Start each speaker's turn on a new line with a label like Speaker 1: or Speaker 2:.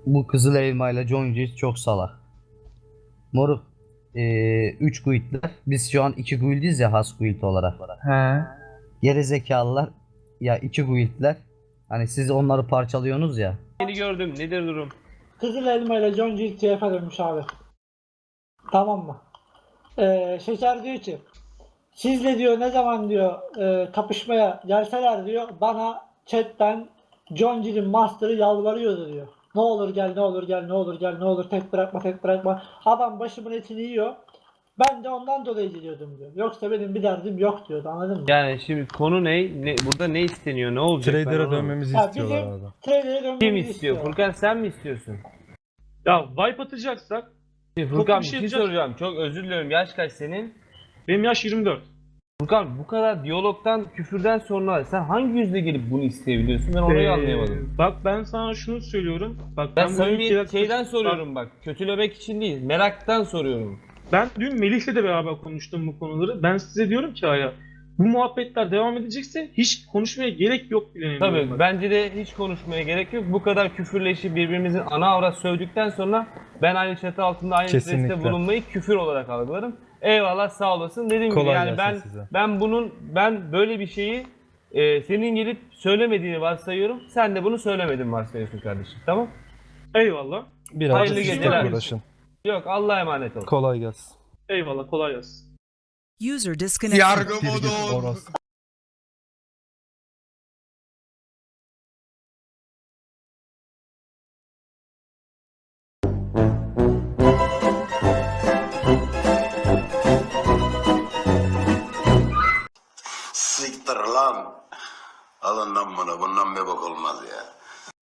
Speaker 1: Bu Kızıl Elma ile John Wick çok salak. Moruk 3 guildler. Biz şu an 2 guildiz ya, has guild olarak.
Speaker 2: He.
Speaker 1: Geri zekalılar ya, 2 guildler. Hani siz onları parçalıyorsunuz ya.
Speaker 3: Yeni gördüm. Nedir durum?
Speaker 4: Kızıl Elma ile John Jill TF'e dönmüş abi. Tamam mı? Şeker diyor ki sizle diyor ne zaman diyor kapışmaya gelseler diyor bana chatten John Jill'in master'ı yalvarıyordu diyor. Ne olur gel, ne olur gel, ne olur gel, ne olur tek bırakma, tek bırakma. Adam başımın etini yiyor. Ben de ondan dolayı gidiyordum diyor. Yoksa benim bir derdim yok diyordu, anladın mı?
Speaker 3: Yani şimdi konu ne? Burada ne isteniyor? Ne olacak? Ben
Speaker 5: Trader'a
Speaker 3: onu-
Speaker 5: dönmemizi
Speaker 4: Ya
Speaker 5: istiyorlar
Speaker 4: bizim
Speaker 5: abi.
Speaker 4: trader'e dönmemizi
Speaker 3: Kim istiyor?
Speaker 4: istiyor.
Speaker 3: Furkan sen mi istiyorsun?
Speaker 2: Ya wipe atacaksak
Speaker 3: Şimdi
Speaker 2: Yok,
Speaker 3: Furkan
Speaker 2: bir
Speaker 3: bir
Speaker 2: şey
Speaker 3: şey
Speaker 2: yapacak-
Speaker 3: soracağım. Çok özür diliyorum. Yaş kaç senin?
Speaker 2: benim yaş 24.
Speaker 3: Furkan bu kadar diyalogtan, küfürden sonra sen hangi yüzle gelip bunu isteyebiliyorsun? Ben orayı anlayamadım.
Speaker 2: Bak ben sana şunu söylüyorum. Bak
Speaker 3: Ben
Speaker 2: bu
Speaker 3: samimi
Speaker 2: ülkede-
Speaker 3: şeyden soruyorum bak. Kötülemek için değil. Meraktan soruyorum.
Speaker 2: Ben dün Melih'le de beraber konuştum bu konuları. Ben size diyorum ki hala bu muhabbetler devam edecekse hiç konuşmaya gerek yok bile.
Speaker 3: Tabii bence de hiç konuşmaya gerek yok. Bu kadar küfürleşip birbirimizin ana avrat sövdükten sonra ben aynı çatı altında aynı
Speaker 5: Kesinlikle.
Speaker 3: streste bulunmayı küfür olarak algılarım. Eyvallah, sağ olasın. Dediğim gibi
Speaker 5: Kolay
Speaker 3: yani
Speaker 5: gelsin size.
Speaker 3: ben böyle bir şeyi senin gelip söylemediğini varsayıyorum. Sen de bunu söylemedin varsayıyorsun kardeşim. Tamam?
Speaker 2: Eyvallah.
Speaker 5: Birazcık
Speaker 3: Hayırlı
Speaker 5: sizle
Speaker 3: geceler.
Speaker 5: uğraşın.
Speaker 3: Yok, Allah'a emanet ol.
Speaker 5: Kolay gelsin.
Speaker 2: Eyvallah, kolay gelsin.
Speaker 6: User disconnected.
Speaker 7: Yargı
Speaker 5: Bir git
Speaker 7: modu.
Speaker 5: orası.
Speaker 7: Siktir lan. Alın lan bunu. Bundan bir bak olmaz ya.